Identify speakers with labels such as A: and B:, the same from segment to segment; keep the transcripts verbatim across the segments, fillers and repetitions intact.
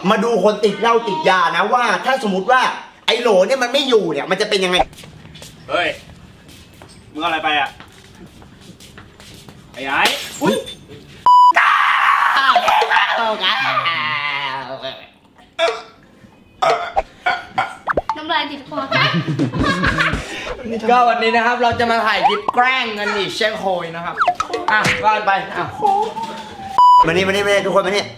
A: มาดูคนติดเหล้าติดยานะว่าถ้าสมมติว่าไอ้โหลเนี่ยมันไม่อยู่เนี่ยมันจะเป็นยังไง
B: เฮ้ยมึงเอาอะไรไปอ่ะไอ้ไอ้
A: อุ้ย
C: น้ำลายติดคอ
D: ก็วันนี้นะครับเราจะมาถ่ายคลิปแกล้งกันอีกเช่นเคยนะครับอ่ะว่ากันไปอ่ะ
A: มานี่มานี่มานี่ทุกคนมานี่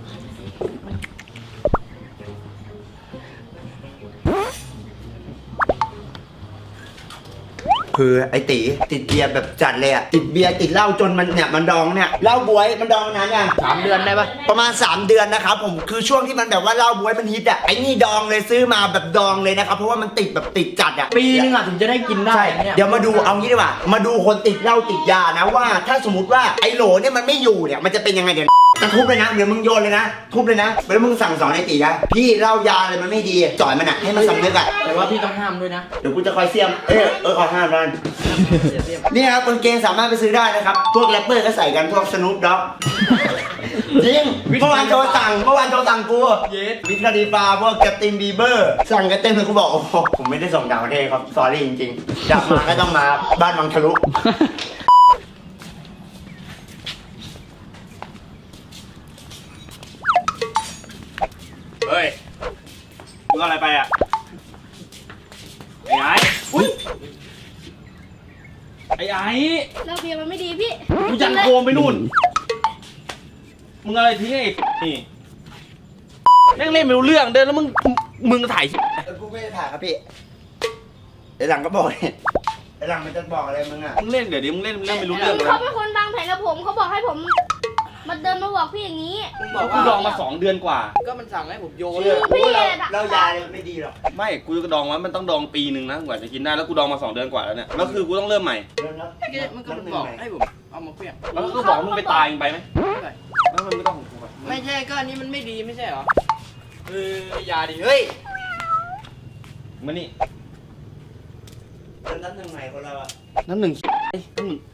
A: คือไอ้ตีติดเบียร์แบบจัดเลยอะติดเบียร์ติดเหล้าจนมันเนี่ยมันดองเนี่ยเหล้าบวยมันดองนานยัง
D: สามเดือนได้ปะ
A: ประมาณสามเดือนนะครับผมคือช่วงที่มันแบบว่าเหล้าบวยมันฮิตอะไอ้นี่ดองเลยซื้อมาแบบดองเลยนะครับเพราะว่ามันติดแบบติดจัดอะ
D: ปีนึงอะถึงจะได้กินได้
A: เดี๋ยวมาดูเอางี้ดีกว่ามาดูคนติดเหล้าติดยานะว่าถ้าสมมติว่าไอ้โหลเนี่ยมันไม่อยู่เนี่ยมันจะเป็นยังไงเดี๋ยวจะทุบเลยนะเดี๋ยวมึงโยนเลยนะทุบเลยนะแล้วมึงสั่งสอนไอ้ตีนะพี่เหล้ายาอะไรมันไม่ดีจ่อยมันอะให้มันสำนึกอะ
D: แต่ว่าพี่ต้องห้ามด้วยนะ
A: เดี๋ยวกูจะคอยเสียมเออเออขอห้ามมันนี่ครับกางเกงสามารถไปซื้อได้นะครับพวกแรปเปอร์ก็ใส่กันพวกสนุปด็อกจริงเมื่อวานโจสั่งเมื่อวานโจสั่งกูวิทย์คาดีฟาพวกแกตินบีเบอร์สั่งกันเต็มเลยกูบอกโอ้โหผมไม่ได้ส่งดาวเทครับสอรี่จริงๆอยากมาก็ต้องมาบ้านวังทะลุ
B: เฮ้ยมึงเอาอะไรไปอ่ะไอ้ไอ้อุ้ยไอ้ไอ้
C: เราเบียร์มันไม่ดีพี่
B: กูยันโคมไปนู่นมึงอะไรทิ้งไอ้นี่แม่งเล่นไม่รู้เรื่องเดินแล้วมึงมึงถ่าย
A: กูไม่ได้ถ่ายครับพี่ไอ้หลังก็บอกเนี่ยไอ้หลังมันจะบอกอะไรมึงอ่ะ
B: มึงเล่นเดี๋ยวดิมึงเล่นเล่นไม่รู้เรื่องเลย
C: เขาเป็นคนวางแผนกับผมเขาบอกให้ผมมาเดินมาบอกพี่อย่างนี้
B: บอกกูดองมาสองเดือนกว่า
D: ก็มันสั่งให้ผมโยน
C: พี่
A: เรายาเลยไม่ดีหรอก
B: ไม่กูจะดองไว้มันต้องดองปีหนึ่งนะกว่าจะกินได้แล้วกูดองมาสองเดือนกว่าแล้วเนี่ยแล้วคือกูต้องเริ่มใหม่
D: มันก็บอกให้ผมเอามาเพี้ยง
B: แล้วก็บอกมึงไปตายไปไหมแล้วมันไม่ต้องของกู
D: ไม่ใช่ก็อันนี้มันไม่ดีไม่ใช่หรอเออยาดิเฮ้ย
B: มานี่
A: น้ำหนึ่งใหม่คนเราอะ
B: น้ำหนึ่งน้ำหนึ่ง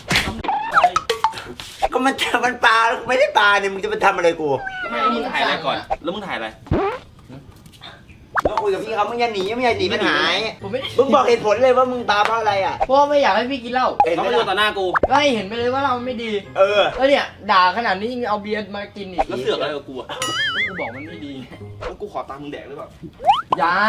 A: ก็มันจะมันปลาไม่ได้ปลาเนี่ยมึงจะมาทำอะไรกู
B: แล้วมึงถ่ายอะไรก่อนแล้วมึงถ่ายอะไร
A: ก็คุยกับพี่เขามึงอย่าหนีไม่อย่าหนีมันหายมึงบอกเหตุผลเลยว่ามึงปลาเพราะอะไรอ่ะ
D: เพราะไม่อยากให้พี่กินเหล้า
B: เขาไม่โดนต่อหน้ากู
D: ก็ให้เห็นไปเลยว่าเราไม่ดี
A: เออ
D: แล้วเนี่ยด่าขนาดนี้ยังเอาเบียร์มากินอีก
B: แล้วเสือกอะไรกับกูอ่ะ
D: กูบอกมันไม่ดี
B: แล้วกูขอตังค์มึงแดกหรือเปล่า
D: อย่า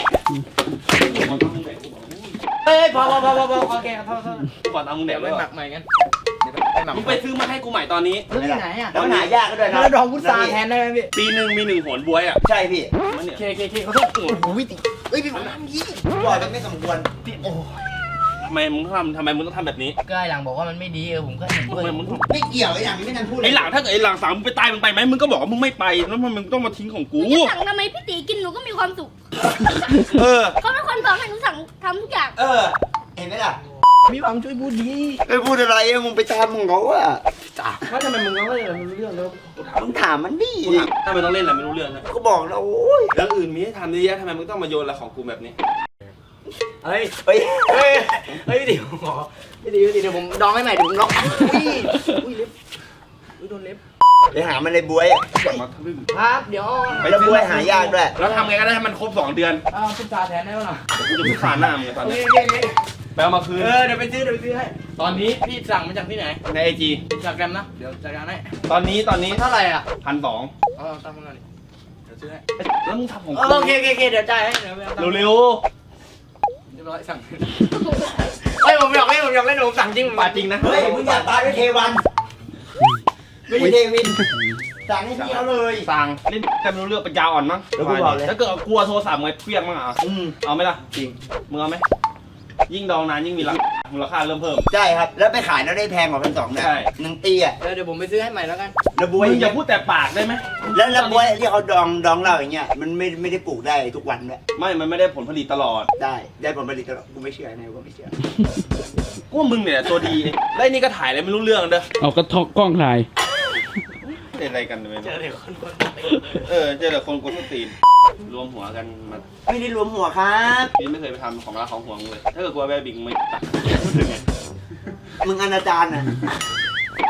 D: เฮ้ยพอพอพอพอพอโอเคครับพอพอ
B: กูขอตังค์มึงแดก
D: ไม่หมักใหม่กัน
B: มึงไปซื้อมาให้กูใหม่ตอนนี้
D: ซื้อที่ไหนอ่ะ
A: แล้วหายากก็ด้วยนะ
D: แล้วดองพุทราแทนได้ไหมพี่
B: ปีหนึ่งมีหนึ่งหนบวยอ่ะ
A: ใช่พี่
B: มันเนี่ย
D: เคเคเคเขาต้องโอ้โหวิติเอ้ยพี่ผมทำยี่
A: บ่อยมันไม่สมควร
D: พี่โอ้
B: ทำไมมึงทำทำไมมึงต้องทำแบบนี้
D: ก็ไอ้หลังบอกว่ามันไม่ดีเออผมก็เห็นด้วย
A: ไม่เกี่ยวไอ้หลังนี่ไม่ทันพูด
B: ไอ้หลังถ้าเกิดไอ้หลังสั่งมึงไปตายมึงไปไหมมึงก็บอกว่ามึงไม่ไปแล้วมึงต้องมาทิ้งของกู
C: สั่งทำไมพี่ตีกินหนูก็มีความสุข
B: เออ
C: เขาเป็นคนบอกให้หนูสั่งทำทุกอย่าง
A: เออเห็นไหมล่ะ
D: มีความช่วยพูดดี
A: ไปพูดอะไรมึงไปตามมึงเขาอะ
D: จ้าว่าทำไมมึงต้องเล่นอะไรไม่รู้เรื่องแล้ว
A: มึงถามมันดิ
B: ทำไมต้องเล่นอะไรไม่รู้เรื่องนะ
A: ก็บอกแล้วโอ้ย
B: แล้วอื่นมีให้ทำเยอะแยะทำไมมึงต้องมาโยนอะไรของกูแบบนี้
D: เฮ้ยเฮ้ยเฮ้ยเฮ้ยเดี๋ยวไม่ดีไม่ดีเดี๋ยวผมดองให้ใหม่เดี๋ยวผมล็อกอุ้ยอุ้ยเล็บอุ้ยโดนเล็บ
A: ไปหามันในบวย
D: ครับเดี๋ยว
A: ไปแล้วบวยหายากด้วย
B: แล้วทำไงก็ได้ให้มันครบสองเดือน
D: อ้าวพุทราแทนได้ป่ะล่ะ
B: กูจะพุทราหน้ามึงตอนนี้ไปเอามาคืน
D: เออเดี๋ยวไปซื้อเดี๋ยวไปซื้อให้ตอนนี้พี่สั่งมาจากที่ไหน
B: ในไอจี
D: จากแกรมนะเดี๋ยวจัดการให้
B: ตอนนี้ตอนนี้
D: เท่าไหร่อ่ะ
B: พันสอง
D: เออตั้งมาหน่อยเดี๋ยวซื้อให้
B: แล้วมึงทำของ
D: โอเคโอเคเดี๋ยวจ่ายให้เดี๋ยว
B: เร็วเร็ว
D: เรียบร้อยสั่งเฮ้ยผมอยากเล่นผมอยากเล่นผมสั่งจริง
B: ปาจริงนะ
A: เฮ้ยมึงอยากปาด้วยเทวันไม่ใช่เทวินสั่งให้พี่เขาเลย
B: สั่งเล่นแต่ไม่รู้เรื่องปัญญาอ่อนมั้ง
A: แล้วกูบอกเลย
B: ถ้าเกิดกลัวโทรศัพท์ไงเพี้ยงมั้งอ่ะ
A: อืม
B: เอาไหมล่ะจริงมึงเอาไหมยิ่งดองนานยิ่งมีราคามูลค่าเริ่มเพิ่ม
A: ใช่ครับแล้วไปขายแล้วได้แพงกว่าพันสองเนี่ยหนึ่งตีอ่ะ
D: เดี๋ยวผมไปซื้อให้ใหม่แล้วกัน
A: แล้วบวย
B: อย่าพูดแต่ปากได้ไหม
A: แล้วแล้วบวยที่เขาดองดองเราอย่างเงี้ยมันไม่ไม่ได้ปลูกได้ทุกวันด้วย
B: ไม่มันไม่ได้ผลผลิตตลอด
A: ได้ได้ผลผลิตตลอดกูไม่เชื่อไงกูไม่เชื่อ
B: กูมึงเนี่ยตัวดีแล้วนี่ก็ถ่ายอะไรไม่รู้เรื่องเด้อ
E: เอากระทกกล้องถ่าย
B: เป็นอะไรกันเลย
D: เจอเด็กคนกวน
B: เออเจอแต่คนกวนตีนรวมหัวกันมา
A: ไม่ได้รวมหัวครับ
B: พี่ไม่เคยไปทำของรักของห่วงเลยถ้าเกิดกลัวแบบบิ๊กไม่ตัดพูดถึงไง
A: มึงอนาจารอ่ะ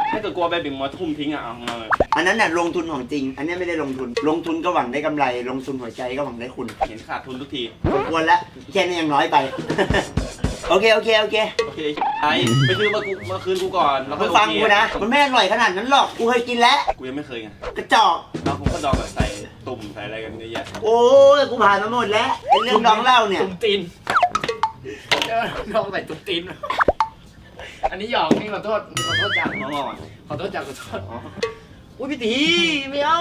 B: ถ้าเกิดกลัวไปบิ่งมาทุ่มทิ้งอ่ะเอาเอาเลย
A: อันนั้นน่ะลงทุนของจริง อันนี้ไม่ได้ลงทุน ลงทุนก็หวังได้กำไร ลงทุนหัวใจก็หวังได้คุณ
B: เห็นขาดทุนทุกที
A: สมควรแล้วแค่นี้ยังน้อยไป โอเคโอเคโอเค
B: โอเคไอ้ไปซื้อมากูมาคืนกูก่อนแล้ว
A: มึ
B: ค่อย
A: งฟัง
B: โอเค
A: กูนะ มันไม่อร่อยขนาดนั้นหรอก กูเคยกินแล้ว
B: กูยังไม่เคยไง
A: กระจอก
B: แล้วผมก็ดองแบบใส่ตุ่มใส่อะไรกันเยอะแยะ
A: โอ้ยกูผ่านมาหมดแล้วไอ้เรื่องดองเหล้าเนี่ย
D: ตุ้มตีนเออลองใส่ตุ้มตีนอันนี้หยอกนี่ขอโทษขอโทษจัง
B: น้องอ่อน
D: ขอโทษจังขอโทษอุ้ยพี่ตีไม่เอา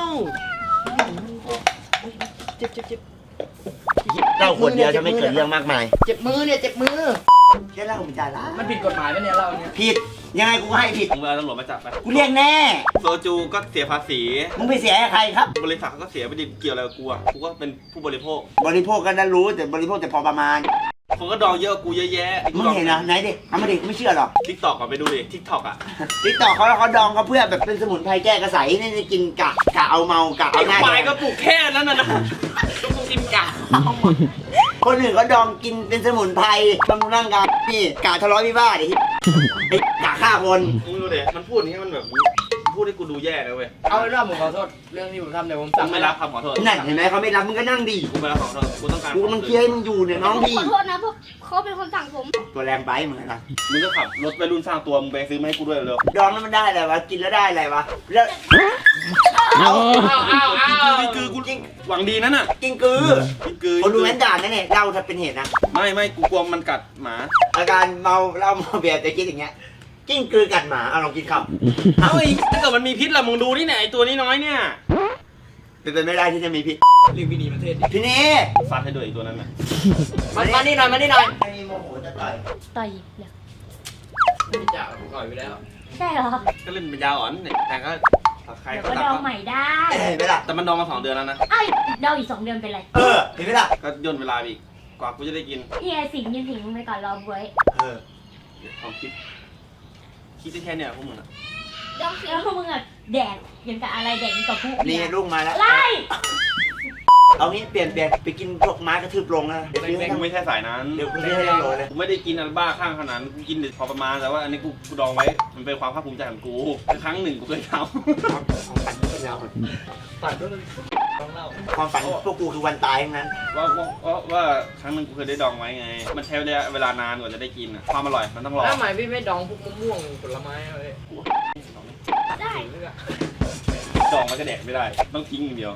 D: เจ็บเจ็บเจ็บ
A: เหล้าขวดเดียวจะไม่เกิดเรื่องมากมาย
D: เจ็บมือเนี่ยเจ็บมือ
A: แค่เหล้าผมจ่ายละ
D: มันผิดกฎหมายไหมเนี่ยเราเนี่ย
A: ผิด ยังไงกูก็ให้ผิด
B: มึงเอาตำรวจมาจับไป
A: กูเรียกแน่
B: โซจูก็เสียภาษี
A: มึงไปเสียให้ใครครับ
B: บริษัทก็เสียไปดิเกี่ยวอะไรกับกูอ่ะกูก็เป็นผู้บริโภค
A: บริโภคก็ได้รู้แต่บริโภคแต่พอประมาณ
B: คนก็ดองเยอะกว่ากูเยอะแยะ
A: มึงเห็นนะไหนดิเอามาดิไม่เชื่อหรอก
B: ทิกตอกก่อนไปดูดิทิกตอกอ่ะ
A: ติ๊กต่อเขาเขาดองเขาเพื่อแบบเป็นสมุนไพรแก้กระสายนี่จะกินกะกะเอาเมากะ
B: ไอ้
A: เอาหน้า
B: ควาย
A: แด
B: ก็
A: ง
B: ปลูกแค่นั้นน่ะนะต้องกูกินกะ
A: คนอื่นเขาดองกินเป็นสมุนไพรบำรุงร่างกายนี่กะทะเลาะวิวาทไอ้ไอ้กะฆ่าคน
B: มึงดูดิมันพูดอย่างนี้มันแบบพูดให้กูดูแย่เลยเว้ย
D: เอาเป็นว่าผมขอโทษเรื่องที่ผมทำเนี่ยผม
B: กู
D: สั่ง
B: ไม่รับคำขอโทษ
A: นั่นเห็นไหมเขาไม่รับมึงก็นั่งดี
B: กูไม่รับคำขอโทษกูต้องการ
A: กูกำลังเคลียร์ให้มึงอยู่เนี่ยน้องพี่
C: ขอโทษนะพวกเขาเป็นคนสั่งผม
A: ตัวแรงไปมึงนะ
B: มึงก็ขับรถไปรุ่นสร้างตัวมึงไปซื้อมาให้กูด้วยเร็ว
A: ดองแล้วมันได้อะไรวะกินแล้วได้อะไรวะแล้ว
B: เอาเอาเอาเอาคือกูจริงหวังดีนั่นน่ะ
A: กินกือ
B: กินคือ
A: คนดูแม่นด่านนั่นเนี่ยเล่าถ้าเป็นเหตุนะ
B: ไม่ไม่กูกลัวมันกัดหมา
A: อาการเมาเหล้าเมาเบียร์จะคิดอย่างเงี้ยกิ้งกือกัดหมาเอาลองกินข้าว
B: เอาไอ้ถ้าเกิดมันมีพิษล่ะมึงดูนี่ไหนไอ้ตัวนี้น้อยเนี่ย
A: เป็นไปไม่ได้ที่จะมีพิษ
D: เรื่องพี่นีประเทศดิ
A: พี่นี่
B: ฟัดให้ด้วยไอ้ตัวนั้นน่ะ
D: มามานี่หน่อยมานี่หน่อย
A: ไม่มีโมโหจะต่อย
C: ต่อยเนี่ย
D: ไม่จ่าผมก่อยไปแล้ว
C: ใช่เหรอ
B: ก็เล่นเป็นยาอ่อนเนี่ยแต่ก็ใคร
C: เดี๋ยว
B: ก็
C: ก็
B: ตั
C: ด
B: ด
C: องใหม่ได้
A: เห็นไหมล่ะ
B: แต่มันดองมาสองเดือนแล้วนะ
C: ไอ้ยดองอีกสองเดือนเป็นไร
A: เออเห็นไหมล่ะ
B: ก็ย่นเวลาไปอีกกว่ากูจะได้กิน
C: นี่ไงสิงยืนสิงไปก่อนรอบวย
A: เออ
B: เดี๋ยวความคิดคิดได้แค่เนี่ยพวกมึงอะ
C: ดองสิงแล้วพวกมึงอะแดกยังกับอะไรแดกยังกับพวก
A: นี่ลูกมาแล้ว
C: ไล่
A: เอางี้เปลี่ยนเปลี่ยนไปกินพวกม้ากระทืบลงนะเดี๋ยวซื้อให้
B: กูไม่ใช่สายนั้น
A: เดี๋ยวกูซื้อให้ทั้งโหลเลย
B: กูไม่ได้กินอันบ้าข้างขนาดนั้นกูกินพอประมาณแต่ว่าอันนี้กูกูดองไว้มันเป็นความภาคภูมิใจของกูครั้งหนึ่งกูเคยท
A: ความฝันเป็นเรา
D: ตัดด้วยต้องเล่า
A: ความฝันพวกกูคือวันตายทั้งนั้น
B: ำว่าว่าว่าว่าครั้งหนึ่งกูเคยได้ดองไว้ไง มันใช้ระยะเวลานานกว่าจะได้กินอะความอร่อยมันต้องรอ
D: แล้วทำไมพี่ไม่ดองพวกมะม่วงผลไม้อะไร
C: ได้
D: เลือก
B: ดองมันก็แดกไม่ได้ ต้องทิ้งอย่างเดียว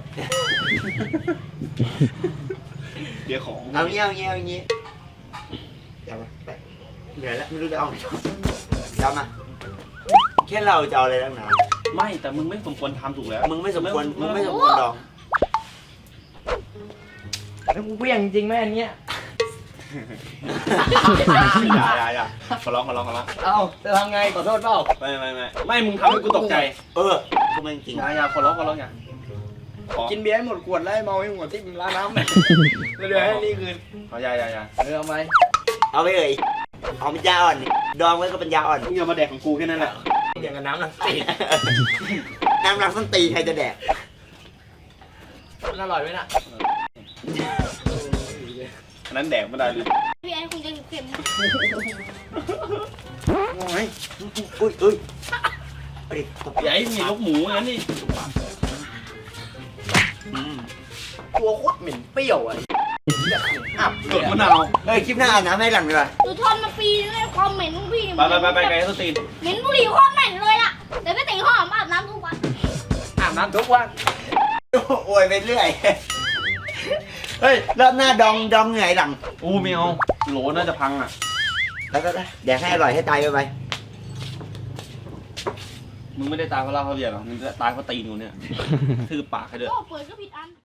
B: เดี๋ยวของ
A: เอางี้เอางี้เอางี้เดี๋ยวมาไปเหนื่อยแล้วไม่รู้จะเอาไหนเดี๋ยวมาแค่เราจะเอาอะไรตั้งนาน
B: ไม่แต่มึงไม่สมควรทำถูกแล้ว
A: มึงไม่สมควรมึงไม่สมควรดอง
D: แล้วกูเวี่ยงจริงไหมอันเนี้ย
B: อย่าอย่าอย่าขอร้องขอร้องขอร้อง
D: เอ้าจะทำไงขอโทษเปล่า
B: ไม่ไม่ไม่ไม่มึงทำให้กูตกใจ
A: เออกูไม่จริง
B: อย่าอย่าขอร้องขอร้องอย่าขอ
D: กินเบียร์ให้หมดขวดแล้วให้เมาให้หมดที่ร้านน้ำเนี่ยแล้วเดี๋ยวให้นี่คืน
B: ขออย่าอย่าอย่า
D: เออเอาไหม
A: เอาไปเลยเอาเป็นยาอ่อนนี่ดองไว้ก็เป็นยาอ่อน
B: มึงอย่ามาแดกของกูแค่นั้นแหละ
D: อย่างกับน้ำน้ำตี
A: น้ำรักส้นตีนใครจะแดก
D: มันอร่อยไหมน่ะ
B: อันนั้นแดกไม่ได้เลย
C: พี่ไอ้คงจะเค็ม
B: โอ้ย
A: อุ้ยอุ้ยเอาดิตบ
B: อย่าให้มีลูกหมูงั้นนี่
A: อืม
D: ตัวโคตรเหม็นเปรี้ยวอ่ะอับ
B: กดมะนาว
A: เฮ้ยคลิปหน้าอาบน้ำให้หลังดีกว่า
C: ดูทนมาปีนึงเลยความเหม็นของพี่เนี่ย
B: ไปไปไปไปไกลสตีน
C: เหม็นบุหรี่โคตรเหม็นเลยล่ะแต่พี่ตีหอมอาบน้ำทุกวัน
D: อาบน้ำทุกวัน
A: โอ้ยไปเรื่อย เฮ้ยรอบหน้าดองดองเหนื่อยหลัง
B: อู้ไม่เอาโหลน่าจะพังอ่ะ
A: แล้วก็แดกให้อร่อยให้ตายไปไป
B: มึงไม่ได้ตายเพราะเหล้าเพราะเบียร์หรอกมึงตายเพราะตีนกูเนี่ยทื่อปากให้ด้วย
C: โอ้เปิดก็ผิดอัน